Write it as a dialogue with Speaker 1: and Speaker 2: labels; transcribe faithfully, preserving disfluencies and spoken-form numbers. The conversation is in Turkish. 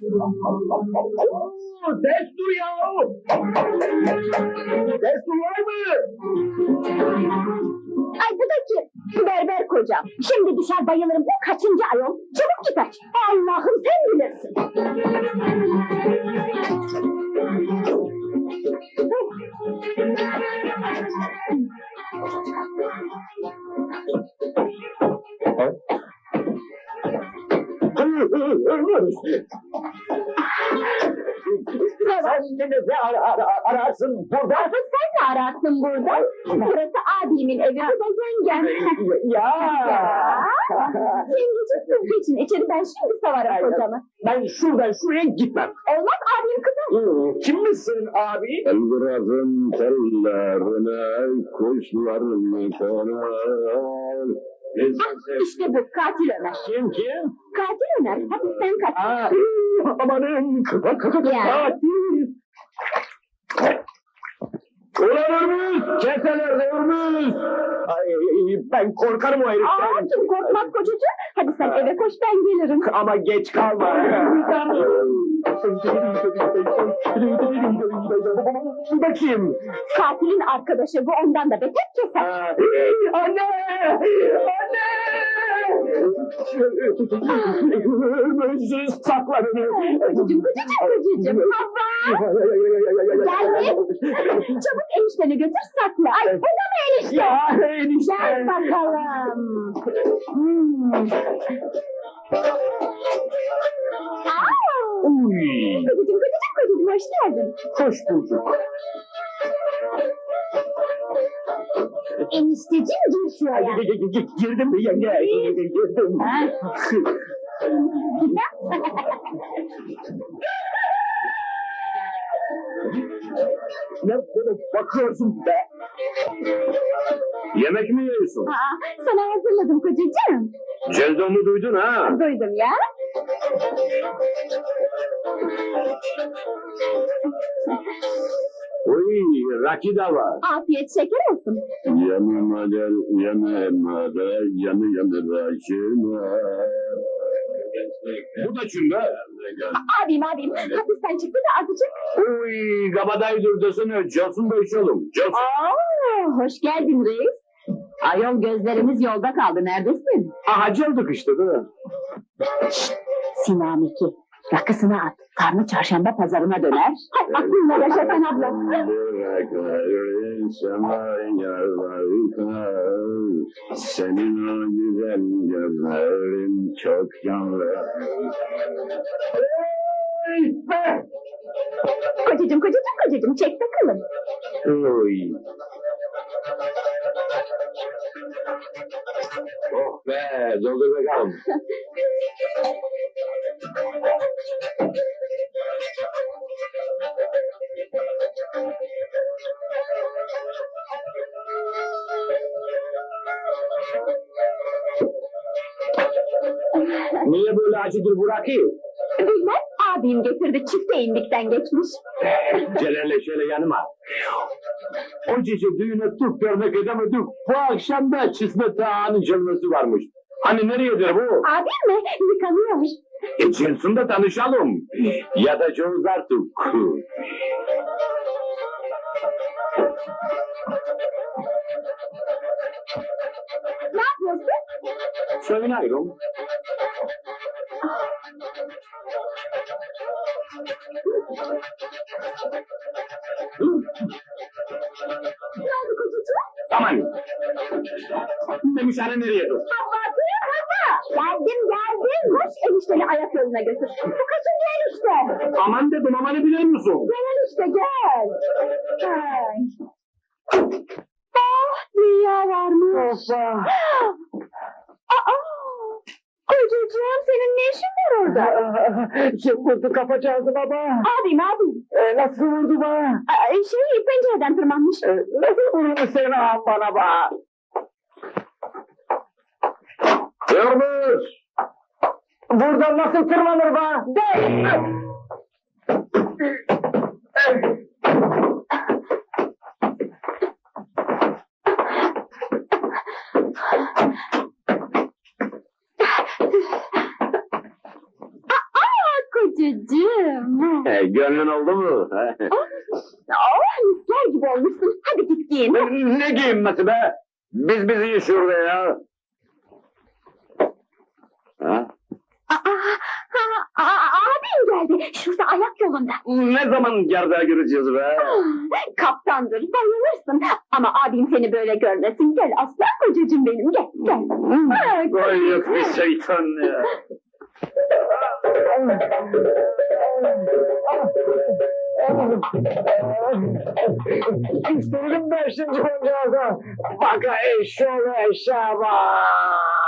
Speaker 1: Destur ya! Destur var mı?
Speaker 2: Ay bu da kim? Berber kocam. Şimdi düşer bayılırım. Bu kaçıncı ayol? Çabuk git aç. Allah'ım sen bilirsin.
Speaker 1: Sen beni ne ara, ara, ararsın burada?
Speaker 2: Asıl sen ne ararsın burada? Burası abimin evi. Bu da yengem.
Speaker 1: Ya!
Speaker 2: Yengeciğim geçin içeri, ben şimdi savarım kocamı.
Speaker 1: Ben şuradan şuraya gitmem.
Speaker 2: Olmaz abim kızım.
Speaker 1: Kimmiş senin abi?
Speaker 3: Elbirasın tellerine kuşlarını konar.
Speaker 2: Ah, işte bu katil Ömer.
Speaker 1: Kim kim?
Speaker 2: Katil Ömer. Hapisten kaçtı.
Speaker 1: Aa, amanın katil. Ulan Hürmüz! Keseler Hürmüz! Ay, ben korkarım o
Speaker 2: Aa,
Speaker 1: heriften.
Speaker 2: kim korkmaz kocacığım. Hadi sen eve koş, ben gelirim.
Speaker 1: Ama geç kalma. Bu da kim?
Speaker 2: Katilin arkadaşı bu, ondan da beter keser.
Speaker 1: Aa, Anne! Anne! Hürmüz sakla beni.
Speaker 2: Kocacığım, kocacığım, kocacığım. Hava! Geldim. Çabuk enişteni götür sakla. Ay, bu da mı enişte?
Speaker 1: Ya enişte.
Speaker 2: Gel bakalım. Hmm. Aa!
Speaker 1: Uy.
Speaker 2: Kocacığım, kocacığım, kocacığım, hoş geldin.
Speaker 1: Hoş bulduk.
Speaker 2: Enişteciğim, gir şuraya.
Speaker 1: Girdim mi yenge? Girdim. Ne böyle bakıyorsun be?
Speaker 3: Yemek mi yiyorsun?
Speaker 2: Aa, sana hazırladım kocacığım.
Speaker 3: Celdon'u duydun ha?
Speaker 2: Duydum ya.
Speaker 3: Uy, rakı da var.
Speaker 2: Afiyet şeker olsun.
Speaker 3: Yanıma gel, yanıma gel, yanı yanı rakıma. Bu da kim be?
Speaker 2: Abim abim, hapisten çıktı da azıcık.
Speaker 3: Uy, kabadayı durdasını, Johnson da içelim. Johnson.
Speaker 2: Aa, hoş geldin reis. Ayol, gözlerimiz yolda kaldı, neredesin?
Speaker 3: Aha, çaldık işte değil mi?
Speaker 2: Sinan iki, rakısını at. Karnı çarşamba pazarına döner. Hay aklınla yaşa sen abla.
Speaker 3: Bırakların semaya varken, senin o güzel gözlerin çok yanlı.
Speaker 2: Kocacığım, kocacığım, kocacığım, çek bakalım.
Speaker 3: Uy. Oh be, doldur bakalım.
Speaker 1: Niye böyle acıdır bu rakı?
Speaker 2: Bilmem, abim getirdi, çifte indikten geçmiş.
Speaker 3: Celal'le şöyle yanıma. O gece düğüne Türk görmek edemedik. Bu akşam da Çismet Ağa'nın canlısı varmış. Hani nereyedir bu?
Speaker 2: Abim mi? Yıkanıyor.
Speaker 3: E çıksın da tanışalım. Ya da Jones artık.
Speaker 2: Ne yapıyorsun?
Speaker 3: Söylüyorum.
Speaker 2: Ne oldu kocacığım?
Speaker 3: Aman. Demiş hani nereye dur?
Speaker 2: Abartıyor baba. Geldim geldim. Koş enişteni ayak yoluna götür. Bu kaçıncı enişte?
Speaker 3: Aman dedim, amanı biliyor musun?
Speaker 2: Gel enişte gel. Ay. Ah, dünya varmış.
Speaker 1: Hoppa.
Speaker 2: Aa, kocacığım, senin ne işin var orada?
Speaker 1: Kim vurdu kapacağızı baba?
Speaker 2: Abim abim.
Speaker 1: Ee, nasıl vurdu bana?
Speaker 2: Aa, şey, pencereden tırmanmış.
Speaker 1: Ee, nasıl vurdu seni ağam bana bak?
Speaker 3: Yürmüş!
Speaker 1: Buradan nasıl tırmanır bana?
Speaker 2: Aa, kocacığım. Kocacığım.
Speaker 3: He, gönlün oldu mu?
Speaker 2: Oh, misler gibi olmuşsun. Hadi git giyin.
Speaker 3: Ne giyinmesi be? Biz biziyiz şurada ya. Ha?
Speaker 2: Aa, aa, aa, abim geldi. Şurada ayak yolunda.
Speaker 3: Ne zaman gerdeğe gireceğiz be?
Speaker 2: Ah, kaptandır, bayılırsın. Ama abim seni böyle görmesin. Gel aslan kocacığım benim, gel, gel. Ha,
Speaker 3: Ay yok bir şeytan ya.
Speaker 1: İstedim ben şimdi koncağıza. Baka eşşoğlu eşşağı bak.